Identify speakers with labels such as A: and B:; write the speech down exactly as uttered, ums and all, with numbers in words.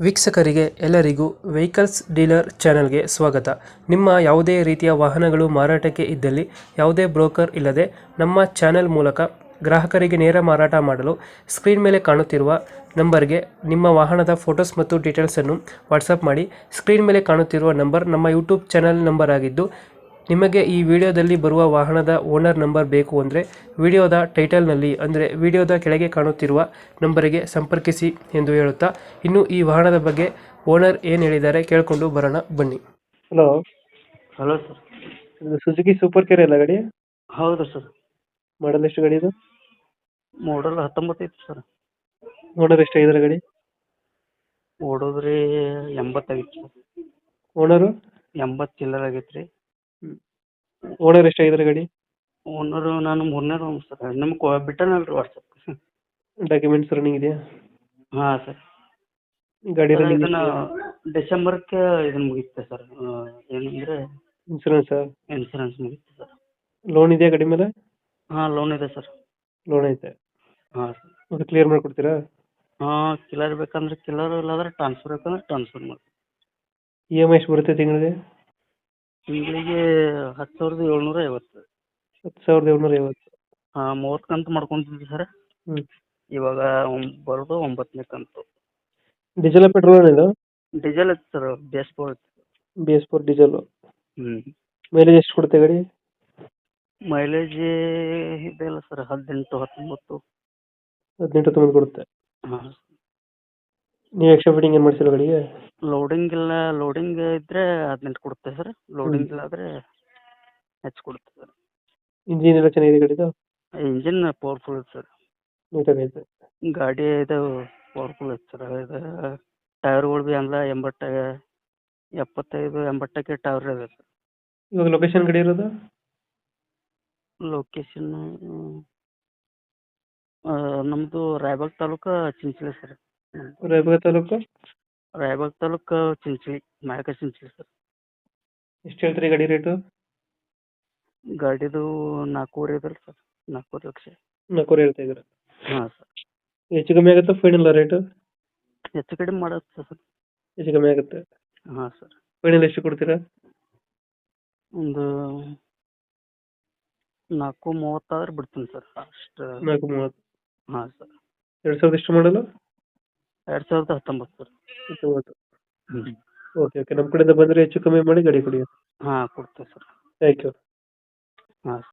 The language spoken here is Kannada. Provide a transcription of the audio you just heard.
A: ವೀಕ್ಷಕರಿಗೆ ಎಲ್ಲರಿಗೂ ವೆಹಿಕಲ್ಸ್ ಡೀಲರ್ ಚಾನೆಲ್ಗೆ ಸ್ವಾಗತ. ನಿಮ್ಮ ಯಾವುದೇ ರೀತಿಯ ವಾಹನಗಳು ಮಾರಾಟಕ್ಕೆ ಇದ್ದಲ್ಲಿ ಯಾವುದೇ ಬ್ರೋಕರ್ ಇಲ್ಲದೆ ನಮ್ಮ ಚಾನೆಲ್ ಮೂಲಕ ಗ್ರಾಹಕರಿಗೆ ನೇರ ಮಾರಾಟ ಮಾಡಲು ಸ್ಕ್ರೀನ್ ಮೇಲೆ ಕಾಣುತ್ತಿರುವ ನಂಬರ್ಗೆ ನಿಮ್ಮ ವಾಹನದ ಫೋಟೋಸ್ ಮತ್ತು ಡೀಟೇಲ್ಸನ್ನು ವಾಟ್ಸಪ್ ಮಾಡಿ. ಸ್ಕ್ರೀನ್ ಮೇಲೆ ಕಾಣುತ್ತಿರುವ ನಂಬರ್ ನಮ್ಮ ಯೂಟ್ಯೂಬ್ ಚಾನೆಲ್ ನಂಬರ್ ಆಗಿದ್ದು, ನಿಮಗೆ ಈ ವಿಡಿಯೋದಲ್ಲಿ ಬರುವ ವಾಹನದ ಓನರ್ ನಂಬರ್ ಬೇಕು ಅಂದರೆ ವಿಡಿಯೋದ ಟೈಟಲ್ನಲ್ಲಿ ಅಂದರೆ ವಿಡಿಯೋದ ಕೆಳಗೆ ಕಾಣುತ್ತಿರುವ ನಂಬರಿಗೆ ಸಂಪರ್ಕಿಸಿ ಎಂದು ಹೇಳುತ್ತಾ, ಇನ್ನು ಈ ವಾಹನದ ಬಗ್ಗೆ ಓನರ್ ಏನು ಹೇಳಿದ್ದಾರೆ ಕೇಳಿಕೊಂಡು ಬರೋಣ ಬನ್ನಿ. Hello,
B: hello sir.
A: ಇದು ಸುಜುಕಿ ಸೂಪರ್ ಕೇರ್ ಅಲ್ಲ ಗಾಡಿ?
B: ಹೌದು ಸರ್.
A: ಮಾಡಲ್ ಎಷ್ಟು ಗಾಡಿ ಇದು?
B: ಮಾಡಲ್ ಹತ್ತೊಂಬತ್ತು ಐತಿ ಸರ್.
A: ಓನರ್ ಎಷ್ಟಾಗಿದ್ದಾರೆ ಗಾಡಿ?
B: ಓಡೋದ್ರಿ ಎಂಬತ್ತಾಗಿತ್ತು ಸರ್.
A: ಓನರು?
B: ಎಂಬತ್ತು ಚಿಲ್ಲರ್ ಆಗೈತೆ ರೀ.
A: ಓನರ್ ಎಷ್ಟಾಗಿದ್ದಾರೆ ಗಾಡಿ?
B: ಓನರು ನಾನು ಮೂರನೇ ರೂಮ್ ಸರ್. ನಿಮ್ಗೆ ಬಿಟ್ಟನಲ್ಲ ರೀ ವಾಟ್ಸಪ್.
A: ಡಾಕ್ಯುಮೆಂಟ್ಸ್ ರನ್ನಿಂಗ್ ಇದೆಯಾ?
B: ಹಾಂ ಸರ್.
A: ಗಾಡಿ
B: ಸರ್,
A: ರನ್ನಿಂಗ್
B: ಇದನ್ನ ಡಿಸೆಂಬರ್ಗೆ ಇದನ್ನ ಮುಗಿತೆ ಸರ್. ಏನಂದರೆ
A: ಇನ್ಸೂರೆನ್ಸ್
B: ಇನ್ಸೂರೆನ್ಸ್ ಮುಗಿತೆ ಸರ್.
A: ಲೋನ್ ಇದೆಯಾ ಗಾಡಿ ಮೇಲೆ?
B: ಹಾಂ, ಲೋನ್ ಇದೆ ಸರ್.
A: ಲೋನ್ ಐತೆ.
B: ಹಾಂ ಸರ್.
A: ಅದು ಕ್ಲಿಯರ್ ಮಾಡಿಕೊಡ್ತೀರಾ?
B: ಹಾಂ, ಕಿಲರ್ ಬೇಕಂದ್ರೆ ಕಿಲರ್, ಇಲ್ಲಾಂದ್ರೆ ಟ್ರಾನ್ಸ್ಫರ್ ಬೇಕಂದ್ರೆ ಟ್ರಾನ್ಸ್ಫರ್ ಮಾಡಿ.
A: ಇ ಎಮ್ ಐ ಎಷ್ಟು ಬರುತ್ತೆ ತಿಂಗಳಿಗೆ?
B: ತಿಂಗಳಿಗೆ ಹತ್ತು ಸಾವಿರದ ಏಳ್ನೂರ ಐವತ್ತು.
A: ಹತ್ತು ಸಾವಿರದ ಏಳ್ನೂರ ಐವತ್ತು.
B: ಹಾಂ, ಮೂವತ್ತು ಕಂತು ಮಾಡ್ಕೊತಿದ್ವಿ ಸರ್.
A: ಹ್ಞೂ.
B: ಇವಾಗ ಒಂಬ್- ಬರೋದು ಒಂಬತ್ತನೇ ಕಂತು.
A: ಡೀಸೆಲ್ ಪೆಟ್ರೋಲ್ ಇದು?
B: ಡೀಸೆಲ್ ಐತೆ ಸರ್. ಬೇಸ್ ಫೋರ್ ಐತೆ.
A: B S four diesel.
B: ಹ್ಞೂ.
A: ಮೈಲೇಜ್ ಎಷ್ಟು ಕೊಡುತ್ತೆ ಗಾಡಿ?
B: ಮೈಲೇಜ್ ಇದೆಯಲ್ಲ ಸರ್, ಹದಿನೆಂಟು ಹತ್ತೊಂಬತ್ತು.
A: ಹದಿನೆಂಟು ಹತ್ತೊಂಬತ್ತು ಕೊಡುತ್ತೆ.
B: ಹಾಂ.
A: ನೀವು ಎಕ್ಸ್ಟ್ರಾ ಫಿಟ್ಟಿಂಗ್ ಏನು ಮಾಡಿಸಿಲ್ಲ ಗಾಡಿಗೆ?
B: ಲೋಡಿಂಗ್ ಇಲ್ಲ, ಲೋಡಿಂಗ್ ಇದ್ದರೆ ಹದಿನೆಂಟು ಕೊಡುತ್ತೆ ಸರ್. ಲೋಡಿಂಗ್ ಇಲ್ಲ ಆದರೆ ಹೆಚ್ಚು ಕೊಡುತ್ತೆ ಸರ್.
A: ಇಂಜಿನ್ ಎಲ್ಲ ಚೆನ್ನಾಗಿದೆ ಗಾಡಿದು?
B: ಇಂಜಿನ್ ಪವರ್ಫುಲ್ ಐತೆ ಸರ್.
A: ನೀಟಾಗೈತೆ.
B: ಗಾಡಿ ಇದು ಪವರ್ಫುಲ್ ಐತೆ ಸರ್. ಇದು ಟೈರ್ಗಳು ಭೀ ಅಂದ ಎಂಬತ್ತು ಎಪ್ಪತ್ತೈದು ಎಂಬತ್ತಕ್ಕೆ ಟೈರ್ ಇದೆ ಸರ್.
A: ಇವಾಗ ಲೊಕೇಶನ್ ಗಾಡಿ ಇರೋದು?
B: ಲೊಕೇಶನ್ನು ನಮ್ಮದು ರಾಯಬಾಗ್ ತಾಲೂಕು ಚಿಂಚಲಿ ಸರ್. ನಮ್ಮದು
A: ರಾಯಬಾಗ ತಾಲೂಕು?
B: ರಾಯಬಾಗ್ ತಾಲೂಕು ಚಿಂಚಲಿ, ನಾಯಕ ಚಿಂಚಲಿ ಸರ್.
A: ಎಷ್ಟು ಹೇಳ್ತೀರಿ ಗಾಡಿ ರೇಟು?
B: ಗಾಡಿದು ನಾಲ್ಕೂವರೆ ಇದಲ್ಲ ಸರ್. ನಾಲ್ಕೂವರೆ ಲಕ್ಷ.
A: ನಾಲ್ಕೂವರೆ ಹೇಳ್ತಾ ಇದ್ದೀರಾ?
B: ಹಾಂ ಸರ್.
A: ಹೆಚ್ಚು ಕಮ್ಮಿ ಆಗುತ್ತಾ ಫೈನಲ್ ರೇಟು?
B: ಹೆಚ್ಚು ಕಡಿಮೆ ಮಾಡುತ್ತೆ ಸರ್.
A: ಹೆಚ್ಚು ಕಮ್ಮಿ ಆಗುತ್ತೆ.
B: ಹಾಂ ಸರ್.
A: ಫೈನಲ್ ಎಷ್ಟು ಕೊಡ್ತೀರಾ?
B: ಒಂದು ನಾಲ್ಕು ಮೂವತ್ತಾದ್ರೆ ಬಿಡ್ತೀನಿ ಸರ್. ಅಷ್ಟು.
A: ನಾಲ್ಕು ಮೂವತ್ತು.
B: ಹಾಂ ಸರ್.
A: ಎರಡು ಸಾವಿರದ ಎಷ್ಟು ಮಾಡಲು?
B: ಎರಡು ಸಾವಿರದ ಹತ್ತೊಂಬತ್ತು ಸರ್.
A: ಹತ್ತೊಂಬತ್ತು.
B: ಹ್ಞೂ.
A: ಓಕೆ ಓಕೆ, ನಮ್ಮ ಕಡೆಯಿಂದ ಬಂದರೆ ಹೆಚ್ಚು ಕಮ್ಮಿ ಮಾಡಿ ಗಾಡಿ ಕೊಡಿ.
B: ಹಾಂ, ಕೊಡ್ತೀವಿ ಸರ್.
A: Thank you.
B: ಹಾಂ.